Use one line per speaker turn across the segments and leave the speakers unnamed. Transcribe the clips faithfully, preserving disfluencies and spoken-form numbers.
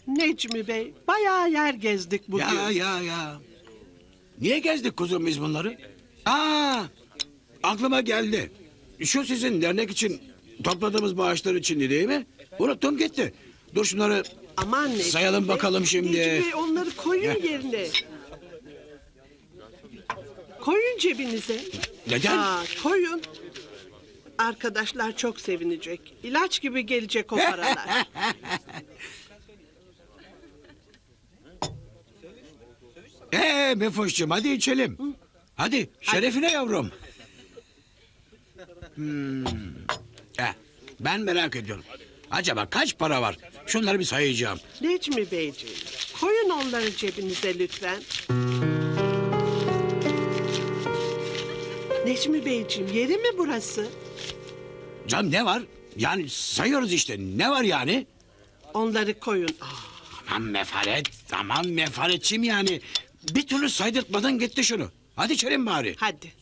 Necmi Bey, bayağı yer gezdik bugün.
Ya ya ya. Niye gezdik kuzum biz bunları? Aa, aklıma geldi. Şu sizin dernek için topladığımız bağışlar içindi değil mi? Unuttum gitti. Dur şunları
Aman Necmi
sayalım
Bey,
bakalım şimdi.
Necmi Bey, onları koyun
Heh.
yerine. Koyun cebinize.
Neden?
Aa, koyun. Arkadaşlar çok sevinecek. İlaç gibi gelecek o paralar.
Ee Mefoş'cum hadi içelim. Hadi şerefine yavrum. Hmm. Eh, ben merak ediyorum. Acaba kaç para var? Şunları bir sayacağım.
Necmi Beyciğim, koyun onları cebinize lütfen. Necmi Beyciğim, yeri mi burası?
Canım ne var? Yani sayıyoruz işte. Ne var yani?
Onları koyun. Aa,
Aman mefaret, aman mefaretçiyim yani. Bir türlü saydırtmadan gitti şunu. Hadi içelim bari.
hadi.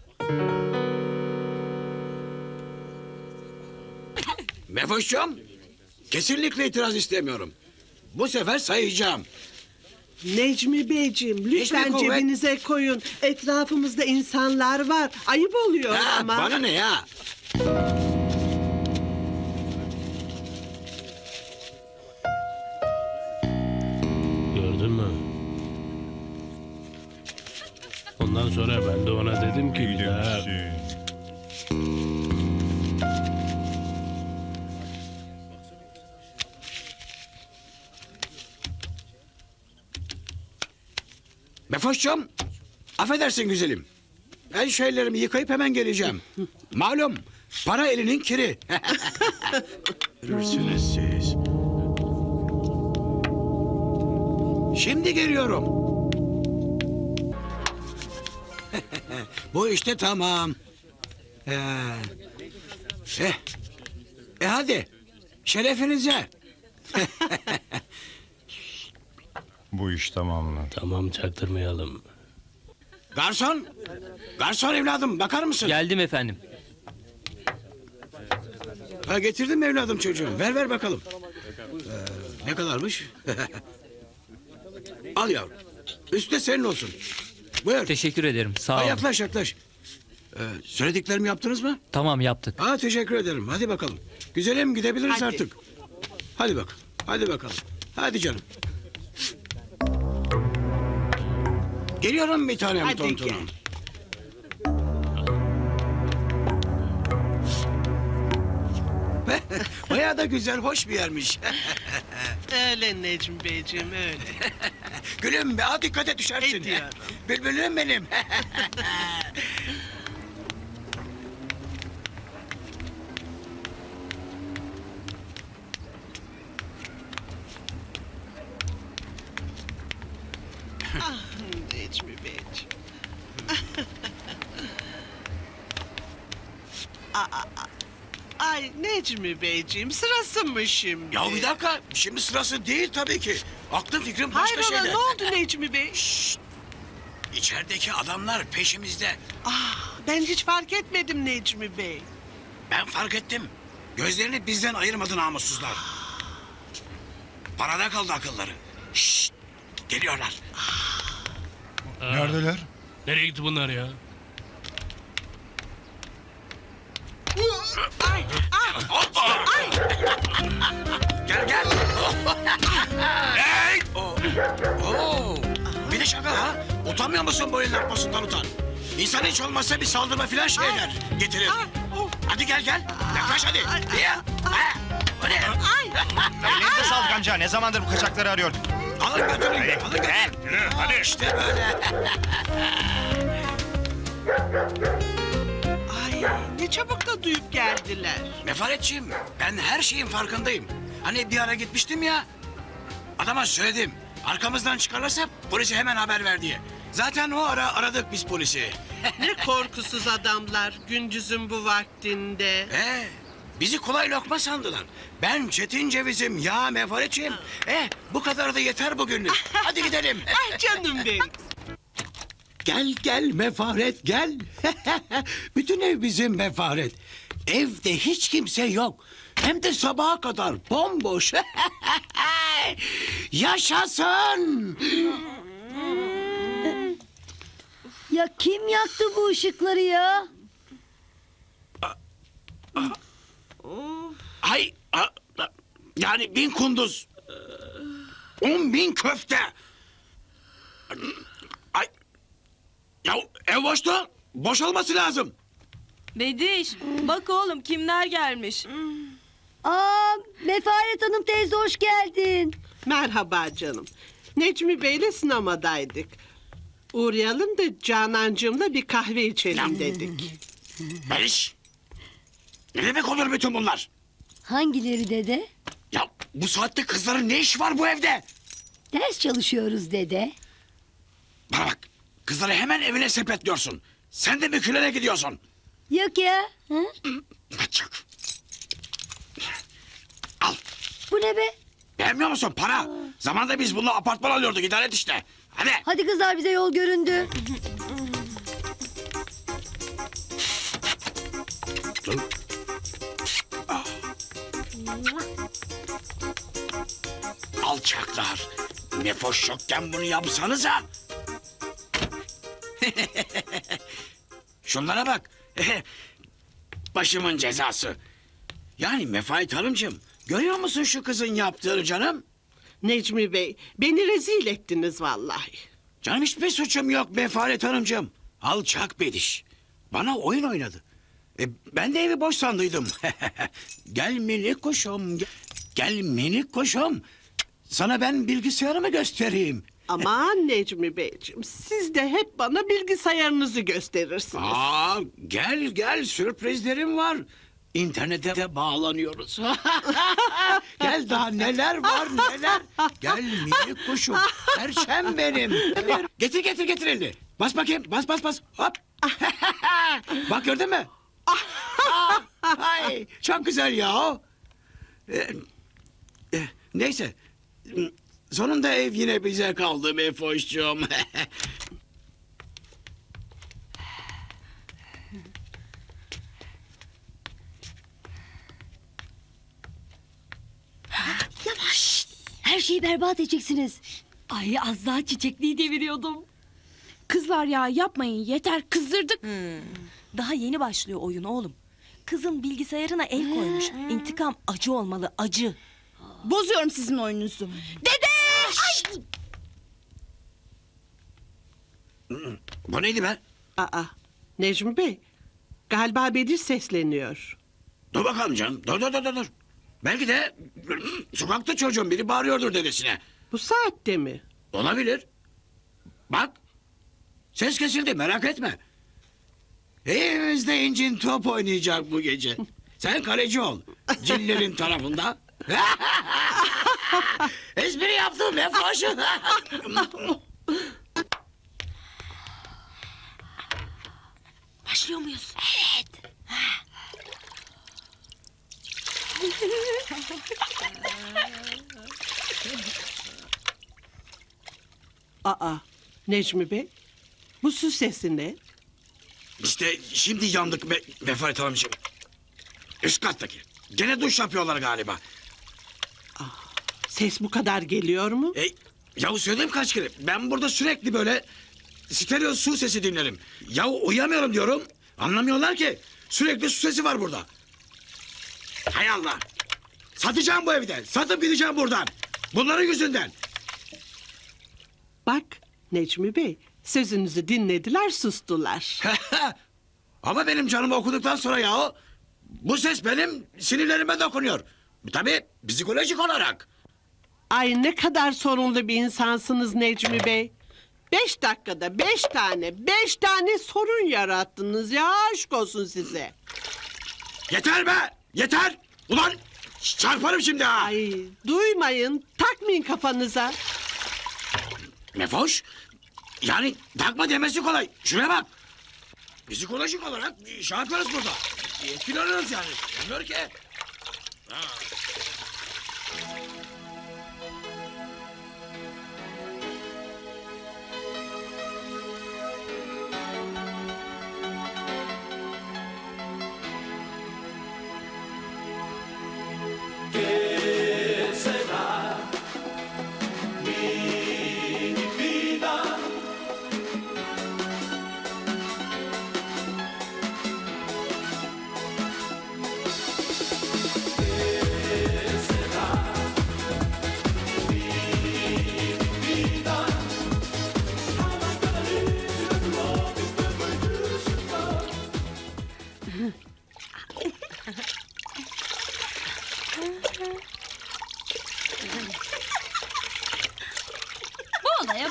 Mefoş'cum, kesinlikle itiraz istemiyorum. Bu sefer sayacağım.
Necmi Beyciğim, lütfen
Hiçbir kuvvet-
cebinize koyun. Etrafımızda insanlar var. Ayıp oluyor
Ha,
ama.
bana ne ya?
Gördün mü? Ondan sonra ben de ona dedim ki bir daha...
Mefoş'cum, affedersin güzelim. Ben şu ellerimi yıkayıp hemen geleceğim. Malum, para elinin kiri. Görürsünüz siz. Şimdi geliyorum. Bu işte tamam. Ee, eh, e hadi, şerefinize.
Bu iş tamamlı.
Tamam, çaktırmayalım.
Garson, garson evladım bakar mısın?
Geldim efendim.
Ha, getirdim evladım çocuğum. Ver ver bakalım. Ee, ne kadarmış? Al yavrum. Üstü de senin olsun. Buyur.
Teşekkür ederim. Sağ
Ha,
olun.
yaklaş yaklaş. Ee, söylediklerimi yaptınız mı?
Tamam, yaptık.
Ha, teşekkür ederim. Hadi bakalım. Güzelim gidebiliriz
Hadi.
artık. Hadi bak. Hadi bakalım. Hadi canım. Geliyorum bir tanem
Hadi
tontonum.
gel.
Bayağı da güzel, hoş bir yermiş.
Öyle Necmi Beyciğim, öyle.
Gülüm be, ha, dikkat et düşersin.
Ediyorum.
Bülbülüm benim.
Ah Necmi Beyciğim. Aa, aa, ay Necmi Beyciğim, sırası mı şimdi?
Ya bir dakika, şimdi sırası değil tabii ki. Aklım fikrim başka
Hayrola,
şeyde.
ne oldu Necmi Bey?
İçerideki adamlar peşimizde.
Ah, ben hiç fark etmedim Necmi Bey.
Ben fark ettim. Gözlerini bizden ayırmadı namussuzlar. Parada kaldı akılları. Şşt, geliyorlar.
Neredeler?
Nereye gitti bunlar ya?
Ay, ah, ay.
Gel gel. Hey! Oo. Oo. Bir de şaka ha. Utanmıyor musun bu elin atmasından utan? İnsan hiç olmazsa bir saldırma filan şey eder. Getirir.
Ah, oh.
Hadi gel gel. Yaklaş hadi.
Ay,
Ya. Ha. Hadi.
Ay.
Elinize sağlık amca. Ne zamandır bu kaçakları arıyorduk.
Alın götürün. Alın götürün.
Yürü hadi.
İşte böyle.
Ay, ne çabuk da duyup geldiler.
Mefaretçiyim. Ben her şeyin farkındayım. Hani bir ara gitmiştim ya. Adama söyledim. Arkamızdan çıkarlarsa polise hemen haber ver diye. Zaten o ara aradık biz polisi.
Ne korkusuz adamlar gündüzün bu vaktinde.
Ee, bizi kolay lokma sandılar. Ben Çetin Ceviz'im ya mefaretçiyim. Eh, bu kadar da yeter bugünlük. Hadi gidelim.
Ay canım benim.
Gel gel mefaret gel. Bütün ev bizim mefaret. Evde hiç kimse yok. Hem de sabaha kadar bomboş. Yaşasın!
Ya kim yaktı bu ışıkları ya?
Ay, a- a- yani bin kunduz. On bin köfte. Ay, ya ev boştu. Boşalması lazım.
Bediş, bak oğlum kimler gelmiş.
Aa, Mefaret Hanım teyze hoş geldin.
Merhaba canım. Necmi Bey'le sinemadaydık. Uğrayalım da Canancığımla bir kahve içelim dedik.
Barış. Ne demek olur bütün bunlar?
Hangileri dede?
Ya bu saatte kızların ne işi var bu evde?
Ders çalışıyoruz dede.
Bana bak. Kızları hemen evine sepetliyorsun. Sen de mükülere gidiyorsun.
Yok ya. Hı?
Kaçak. Al.
Bu ne be?
Beğenmiyor musun? Para. Zamanında biz bununla apartman alıyorduk. İdare et işte. Hadi.
Hadi kızlar bize yol göründü.
Alçaklar. Nefoş yokken bunu yapsanıza. Şunlara bak. Başımın cezası. Yani Mefait Hanımcığım, görüyor musun şu kızın yaptığını canım?
Necmi Bey, beni rezil ettiniz vallahi.
Canım hiçbir suçum yok Mefait Hanımcığım. Alçak bediş. Bana oyun oynadı. E, ben de evi boş sandıydım. Gel minik kuşum. Gel, gel minik kuşum. Sana ben bilgisayarımı göstereyim.
Aman Necmi Beyciğim, siz de hep bana bilgisayarınızı gösterirsiniz.
Aa, gel gel sürprizlerim var. İnternete de bağlanıyoruz. Gel daha neler var neler. Gel minik kuşum. Perşem benim. Getir getir getir elini. Bas bakayım bas bas bas. Hop. Bak gördün mü? Ay, çok güzel ya. Ee, e, neyse. Sonunda ev yine bize kaldı Mefoş'cum.
Yavaş. Her şeyi berbat edeceksiniz.
Ay az daha çiçekliği deviriyordum. Kızlar ya yapmayın yeter kızdırdık. Daha yeni başlıyor oyun oğlum. Kızın bilgisayarına el koymuş. İntikam acı olmalı acı. Bozuyorum sizin oyununuzu. Dede!
Bu neydi be?
Aa, Necmi Bey, galiba Bedir sesleniyor.
Dur bakalım canım. Dur dur dur dur, dur. Belki de sokakta çocuğun biri bağırıyordur dedesine.
Bu saatte mi?
Olabilir. Bak. Ses kesildi merak etme. Evimizde incin top oynayacak bu gece. Sen kaleci ol. Cillerin tarafında. Espri yaptım be foşu.
Başlıyor muyuz?
Aa, Necmi Bey, bu su sesi ne?
İşte şimdi yandık me Mefaret Hanımcığım. Üst kattaki. Gene duş yapıyorlar galiba.
Ses bu kadar geliyor mu?
E, yahu söyledim kaç kere. Ben burada sürekli böyle stereo su sesi dinlerim. Yahu uyuyamıyorum diyorum. Anlamıyorlar ki. Sürekli su sesi var burada. Hay Allah. Satacağım bu evde. Satıp gideceğim buradan. Bunların yüzünden.
Bak, Necmi Bey, sözünüzü dinlediler, sustular.
Ama benim canımı okuduktan sonra yahu... ...bu ses benim sinirlerime dokunuyor. Tabii psikolojik olarak.
Ay ne kadar sorunlu bir insansınız Necmi Bey. Beş dakikada beş tane, beş tane sorun yarattınız ya, aşk olsun size.
Yeter be! Yeter! Ulan çarparım şimdi ha!
Ay duymayın, takmayın kafanıza.
Mefoş, yani takma demesi kolay. Şuraya bak. Psikolojik olarak şey yaparız burada. Etkileniyoruz yani. Bilmiyor ki. Ha.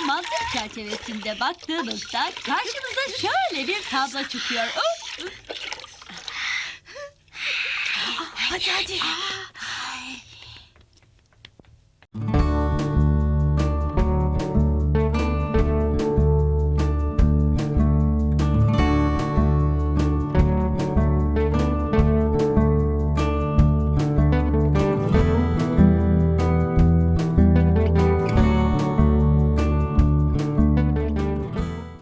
mantık çerçevesinde baktığımızda karşımıza şöyle bir tablo çıkıyor. Uf!
Hadi hadi.